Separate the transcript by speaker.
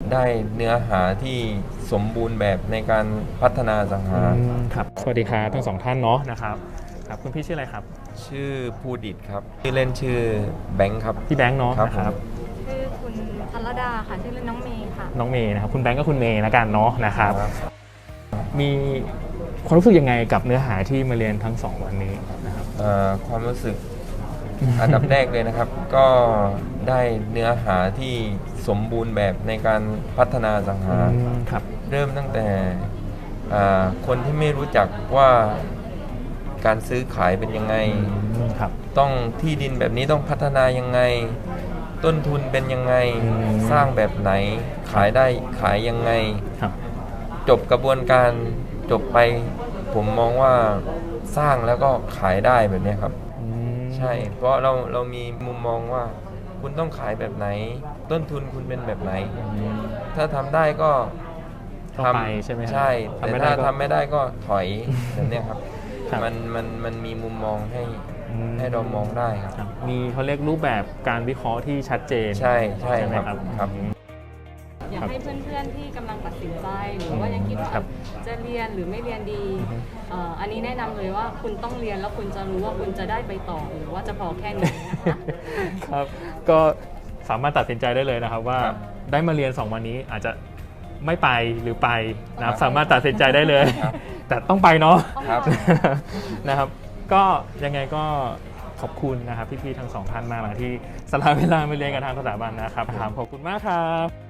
Speaker 1: ได้เนื้อหาที่สมบูรณ์แบบในการพัฒนาสังหา
Speaker 2: ครับสวัสดีครับทั้งสองท่านเนาะนะครับคุณพี่ชื่ออะไรครับ
Speaker 1: ชื่อภูดิตครับชื่อเล่นชื่อแบงค์ครับ
Speaker 2: พี่แบงค์เนาะ
Speaker 1: ครับ
Speaker 3: ชื่อคุณพัลลดาค่ะชื่อเล่นน้องเมย์ค่ะ
Speaker 2: น้องเมย์นะครับคุณแบงค์ก็คุณเมย์แล้วกันเนาะนะครับมีความรู้สึกยังไงกับเนื้อหาที่มาเรียนทั้ง2วันนี้นะครับ
Speaker 1: ความรู้สึกอันดับแรกเลยนะครับ ก็ได้เนื้อหาที่สมบูรณ์แบบในการพัฒนาสังหา
Speaker 2: ครับ
Speaker 1: เริ่มตั้งแต่คนที่ไม่รู้จักว่าการซื้อขายเป็นยังไง
Speaker 2: ครับ
Speaker 1: ต้องที่ดินแบบนี้ต้องพัฒนายังไงต้นทุนเป็นยังไงสร้างแบบไหนขายได้ขายยังไงจบกระบวนการจบไปผมมองว่าสร้างแล้วก็ขายได้แบบนี้ครับใช่เพราะเรามีมุมมองว่าคุณต้องขายแบบไหนต้นทุนคุณเป็นแบบไหนถ้าทำได้ก็
Speaker 2: ทำใช่ไหม
Speaker 1: ใช่แต่ถ้าทำไม่ได้ก็ถอยแบบนี้ครับมันมีมุมมองให้เรามองได้ครับ
Speaker 2: มีเขาเรียกรูปแบบการวิเคราะห์ที่ชัดเจน
Speaker 1: ใช่ไหมครับ
Speaker 3: อยากให้เพื่อนๆที่กำลังตัดสินใจหรือว่ายังคิดว่าจะเรียนหรือไม่เรียนดีอันนี้แนะนำเลยว่าคุณต้องเรียนแล้วคุณจะรู้ว่าคุณจะได้ไปต่อหรือว่าจะพอแค่นี้นะคะ
Speaker 2: ครับก็สามารถตัดสินใจได้เลยนะครับว่าได้มาเรียน2วันนี้อาจจะไม่ไปหรือไปนะครับสามารถตัดสินใจได้เลยแต่ต้องไปเนาะนะครับก็ยังไงก็ขอบคุณนะครับพี่ๆทั้ง2ท่านมากนะที่สละเวลามาเรียนกับทางสถาบันนะครับขอบคุณมากครับ